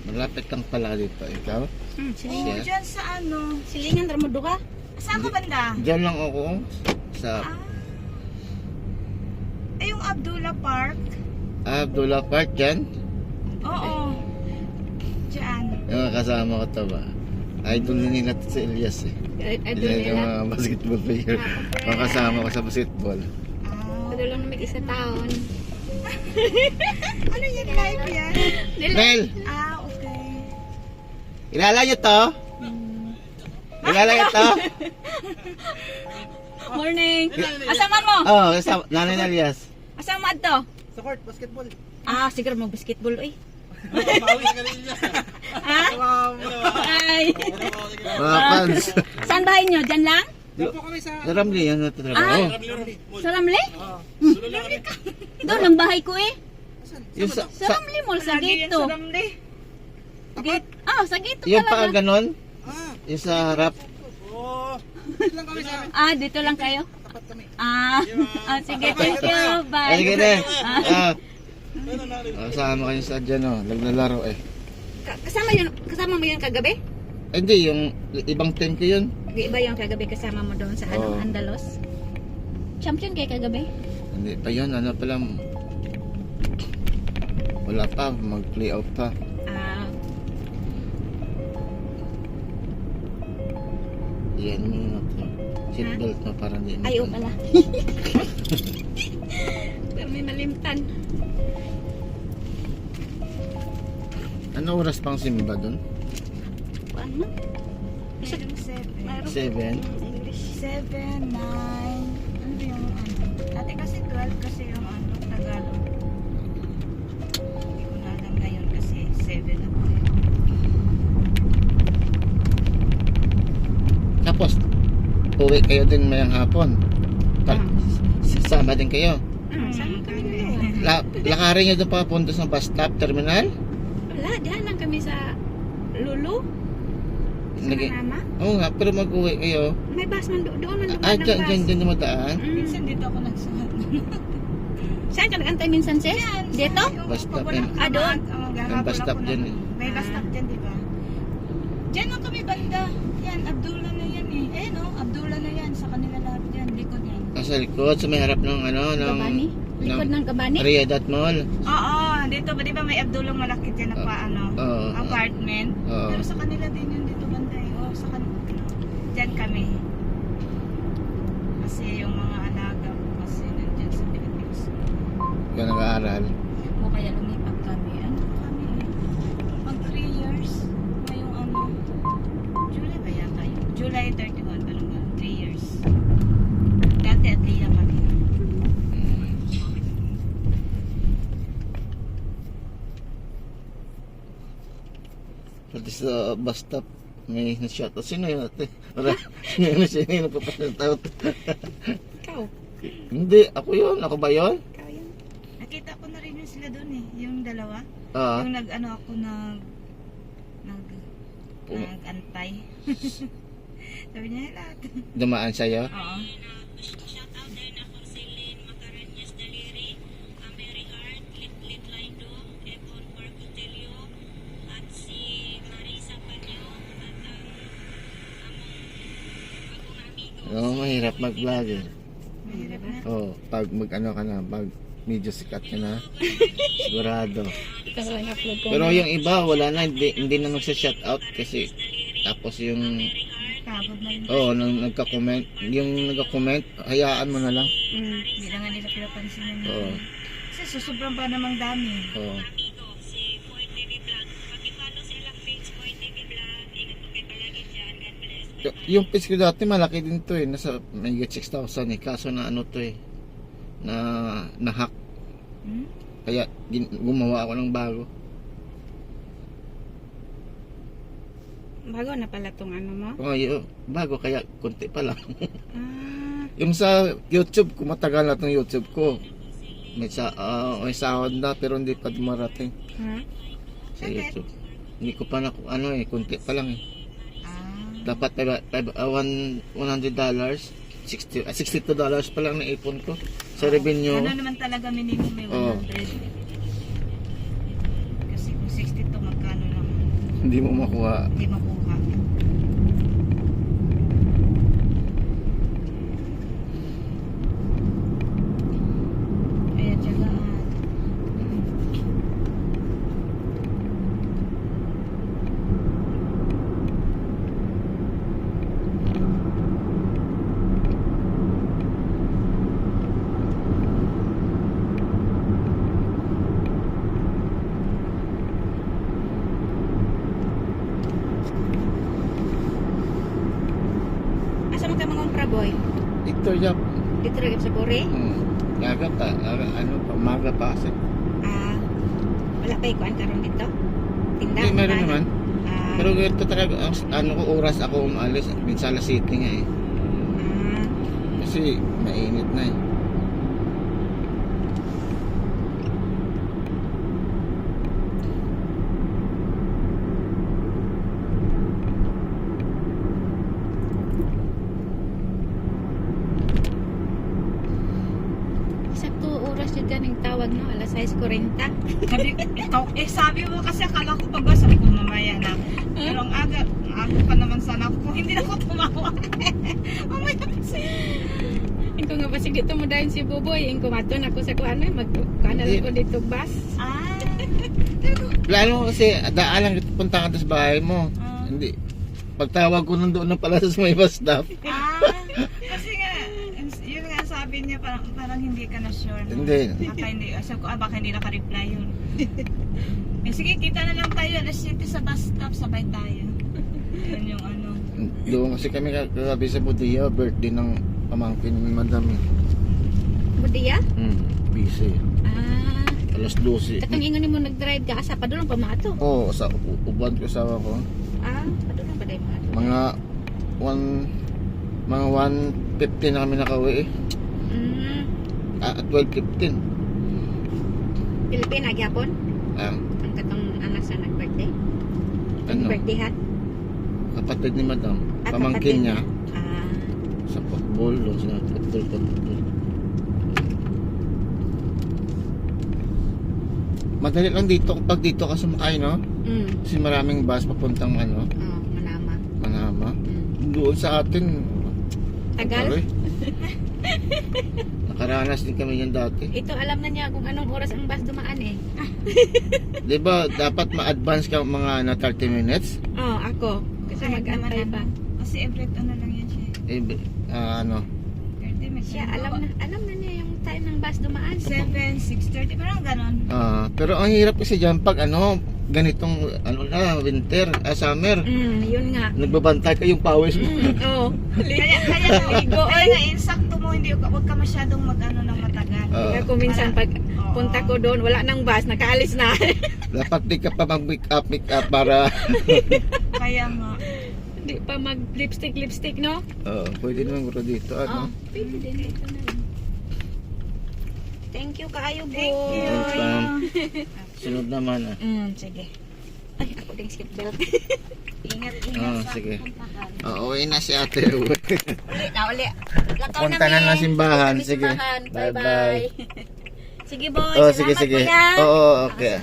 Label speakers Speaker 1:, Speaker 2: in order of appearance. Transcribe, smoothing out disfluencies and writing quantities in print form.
Speaker 1: Malapit lang pala dito. Ikaw?
Speaker 2: Oo, dyan sa ano.
Speaker 3: Silingan, Ramudo ka?
Speaker 2: Saan ka banda?
Speaker 1: Diyan lang ako. Sa
Speaker 2: Yung Abdullah Park.
Speaker 1: Abdullah Park dyan.
Speaker 2: Oo. Dyan.
Speaker 1: Yung kasama ko to ba? Idol na nila to si Elias eh.
Speaker 3: Idol
Speaker 1: Yan yung
Speaker 3: nila.
Speaker 1: mga basketball player. Mga kasama ko sa basketball.
Speaker 3: Idol lang na mag-isa taon.
Speaker 2: Ano yan, live yan?
Speaker 1: Mel!
Speaker 2: Okay.
Speaker 1: Kilala niyo to? Kilala niyo to?
Speaker 3: Morning! Asaman mo?
Speaker 1: Oo, oh, nanay na Elias.
Speaker 3: Asama to?
Speaker 4: Sa court, basketball.
Speaker 3: Siguro mag-basketball eh.
Speaker 4: Bawi ka rin niya.
Speaker 3: Ha? Ay!
Speaker 1: Mga fans.
Speaker 3: Saan bahay nyo? Diyan lang?
Speaker 4: Doon po kami sa...
Speaker 1: Sa Ramli, yan natatrabaho.
Speaker 3: Sa Ramli?
Speaker 4: Ramli.
Speaker 3: Doon ang bahay ko eh.
Speaker 1: Yung sa,
Speaker 3: Sa Ramli Mall, sa
Speaker 2: Lagi yan
Speaker 3: gate to.
Speaker 2: sa Ramli.
Speaker 3: Gate? Sa gate to
Speaker 1: yung paa
Speaker 3: talaga.
Speaker 1: ganon,
Speaker 4: Ah,
Speaker 1: yung sa harap.
Speaker 4: oo. Dito lang kami sa...
Speaker 3: Dito lang kayo?
Speaker 4: Tapat kami.
Speaker 3: Sige, thank you.
Speaker 1: Ay,
Speaker 3: Bye.
Speaker 1: sige na. Kasama kayo sa dyan, oh. Naglalaro eh.
Speaker 3: Kasama mo yun kagabi?
Speaker 1: Hindi, yung ibang team ko yun.
Speaker 3: Iba yung kagabi kasama mo doon sa
Speaker 1: Oo.
Speaker 3: Andalos? Champion kay kagabi?
Speaker 1: Hindi pa yun, ano pa lang. Wala pa, mag-playout pa. Yan mo na to. Seatbelt mo para hindi mo.
Speaker 3: Ayaw pala. Pero may malimtan.
Speaker 1: Ano oras pang simba dun?
Speaker 3: Ano?
Speaker 2: Merong 7.
Speaker 1: 7?
Speaker 2: English 7, 9. Ano ba yung ano? Dati kasi 12 kasi yung ano, Tagalog. Hindi ko na alam ngayon kasi 7 ako.
Speaker 1: Tapos, uwi kayo din mayang hapon. Sasama din kayo.
Speaker 3: Saan kami dalawa?
Speaker 1: Lakarin nyo doon papunta sa bus stop terminal?
Speaker 3: Wala, diyan lang kami sa Lulu. Sa Manama.
Speaker 1: Oo nga, pero mag-uwi kayo.
Speaker 3: May bus man doon man dumaan ng bus.
Speaker 1: Dyan dumadaan.
Speaker 2: Minsan dito ako nagsuhat.
Speaker 3: Saan ka nag-antay minsan, sis? Dito?
Speaker 1: Bus stop
Speaker 2: Pag
Speaker 1: yan.
Speaker 2: walang
Speaker 3: Doon?
Speaker 1: Yung bus stop dyan eh.
Speaker 2: May bus stop dyan, di ba? Dyan lang kami banda. Yan, Abdullah na yan eh. Eh no, Abdullah na yan. Sa kanila lahat yan. Likod yan.
Speaker 1: Sa likod, sa may harap ng ano, ng...
Speaker 3: Kabani? Likod ng Kabani?
Speaker 1: Riyadh Mall.
Speaker 2: Oo, dito ba, di ba may Abdullah malaki dyan na pa, ano,
Speaker 1: Oo.
Speaker 2: apartment.
Speaker 1: Oo.
Speaker 2: Pero sa kanila din yun dito banda eh. Oo, sa kanila. Dyan kami. Kasi yung mga alaga ko kasi nandyan sa Philippines.
Speaker 1: Kaya nag-aaral.
Speaker 3: O kaya lumipat kami.
Speaker 2: Ano kami? Pag 3 years, ngayong ano, July ba yata yun? July 31, parang 3 years. Dati at Leah kami.
Speaker 1: Pati sa bus stop, may na-shoutout. Sino yun ate? Sino yung nagpapasalatout?
Speaker 3: Ikaw?
Speaker 1: Hindi, ako yun. Ako ba yun?
Speaker 3: Ikaw yan.
Speaker 2: Nakita ko na rin yun sila doon eh, yung dalawa.
Speaker 1: Ah,
Speaker 2: Yung nag-ano ako nag-antay. Sabi niya lahat.
Speaker 1: dumaan sa'yo.
Speaker 2: Oo.
Speaker 1: Oo, mahirap mag-vlog eh.
Speaker 2: Mahirap na.
Speaker 1: Oo, pag mag-ano ka na, pag medyo sikat ka na, sigurado.
Speaker 3: Ikaw lang upload ko.
Speaker 1: Pero yung iba, wala na, hindi na magsa-shoutout kasi tapos yung,
Speaker 2: Pagod na yun.
Speaker 1: nung nagka-comment, yung nagka-comment, hayaan mo na lang.
Speaker 2: Hindi na nga nila pinapansin yun.
Speaker 1: Oo.
Speaker 2: Kasi susobrang pa namang dami.
Speaker 1: Oo. Yung page ko dati malaki din to eh, nasa may 6,000 eh, kaso na ano to eh, na hack.
Speaker 2: Hmm?
Speaker 1: Kaya gumawa ako ng bago.
Speaker 3: Bago na pala tong ano mo?
Speaker 1: Bago kaya konti pa lang.
Speaker 3: Ah,
Speaker 1: Yung sa YouTube, kumatagal na itong YouTube ko. May sahod na pero hindi pa dumarating
Speaker 3: ha?
Speaker 1: sa YouTube. Hindi ko pa na konti pa lang eh.
Speaker 2: Ah.
Speaker 1: Dapat $100, $62 pa lang na ipon ko sa revenue.
Speaker 2: Ano naman talaga minimum may 100.
Speaker 1: Oo.
Speaker 2: Kasi kung 62 magkano lang.
Speaker 1: Hindi mo makuha.
Speaker 2: Hindi makuha. Kaya tiyagaan.
Speaker 3: Asa mo ka mga umpra, boy?
Speaker 1: Victoria.
Speaker 3: Dito rin sa Bore?
Speaker 1: Aga pa. Ano pa. Maga pa kasi.
Speaker 3: Ah, wala pa ikuan karon dito? Tinda?
Speaker 1: Hindi, meron
Speaker 3: Wala.
Speaker 1: naman.
Speaker 3: Ah,
Speaker 1: Pero ganito talaga. Ano ko oras ako umalis. Minsan alas 7 nga eh.
Speaker 3: ah,
Speaker 1: Kasi mainit na eh.
Speaker 3: sakto oras yun kaning tawag, no? Alas 6:40.
Speaker 2: Sabi mo kasi akala ko pag sabi ko mamaya na. Pero ang aga pa naman sana ako kung hindi na ako tumawa. Mamaya kasi.
Speaker 3: Ingko nga ba sige dito mo dahil si Boboy, ingko maton ako sa kuan na magkuan na lang ko dito bus.
Speaker 2: Ah.
Speaker 1: Lalo kasi daalang punta ka sa bahay mo.
Speaker 2: Ah.
Speaker 1: Hindi. Pagtawag ko nandoon na pala sa may bus stop.
Speaker 2: Kasi nga, yun nga sabi niya parang hindi ka na sure. No?
Speaker 1: Hindi.
Speaker 2: Baka hindi, sabi ko, baka hindi naka-reply yun. Sige, kita na lang tayo. Alas 7 sa bus stop, sabay tayo. Yun yung ano.
Speaker 1: Doon kasi kami kagabi sa Budia, birthday ng pamangkin ni Madam.
Speaker 3: Budiya?
Speaker 1: Busy.
Speaker 3: Ah,
Speaker 1: Alas 12.
Speaker 3: katong ingon nimo nag-drive ka asa pa doon pa maato.
Speaker 1: Oo, sa uban ko sawa ko.
Speaker 3: Ah, pa doon ba dai maato?
Speaker 1: Mga 1:50 na kami nakauwi eh. At 12:15.
Speaker 3: Pilipina gyapon
Speaker 1: Ah,
Speaker 3: ang katong anak sa nag-birthday.
Speaker 1: ano?
Speaker 3: Birthday hat.
Speaker 1: Kapatid ni Madam.
Speaker 3: Ah,
Speaker 1: Pamangkin
Speaker 3: kapatid.
Speaker 1: niya
Speaker 3: Ah,
Speaker 1: sa football. Sa football. Madali lang dito kapag dito ka sumakay, no? Kasi maraming bus papuntang ano,
Speaker 3: Oh, Manama.
Speaker 1: Manama. Doon sa atin,
Speaker 3: Tagal.
Speaker 1: aray. Nakaranas din kami yan dati.
Speaker 3: Ito alam na niya kung anong oras ang bus dumaan eh.
Speaker 1: Di ba dapat ma-advance ka mga 30 minutes?
Speaker 3: Oh, ako. Kasi
Speaker 2: Kahit naman
Speaker 3: mag-antay pa.
Speaker 2: Kasi every ano lang yan siya.
Speaker 1: Ano?
Speaker 2: 30 minutes.
Speaker 3: Siya alam na niya yung time ng bus dumaan.
Speaker 2: 7, 6:30, parang ganon.
Speaker 1: Pero ang hirap kasi dyan pag ganitong winter, summer.
Speaker 3: Yun nga.
Speaker 1: Nagbabantay ka yung pawis mo.
Speaker 3: Oh.
Speaker 2: Kaya nga, insakto mo, huwag ka masyadong mag-ano ng matagal.
Speaker 3: Kaya kung minsan pag
Speaker 2: Oo.
Speaker 3: punta ko doon, wala nang bus, nakaalis na.
Speaker 1: Dapat di ka pa mag-make up para
Speaker 2: Kaya nga.
Speaker 3: Hindi pa mag-lipstick, no?
Speaker 1: pwede naman ko dito.
Speaker 3: Oh, pwede din. Ito na lang. Thank you kaayo, boy.
Speaker 2: Thank you.
Speaker 1: Welcome. Sunod naman
Speaker 3: Sige. Ay, ako din skip belt.
Speaker 2: Ingat sa
Speaker 1: sige.
Speaker 2: puntahan.
Speaker 1: Uwi na si ate.
Speaker 3: Uli. Lakaw
Speaker 1: Punta na ng simbahan.
Speaker 3: Punta na
Speaker 1: Sige.
Speaker 3: simbahan.
Speaker 1: Bye-bye.
Speaker 3: Bye-bye. Sige, boy.
Speaker 1: Oh,
Speaker 3: Salamat,
Speaker 1: sige.
Speaker 3: kuya.
Speaker 1: Oo, okay.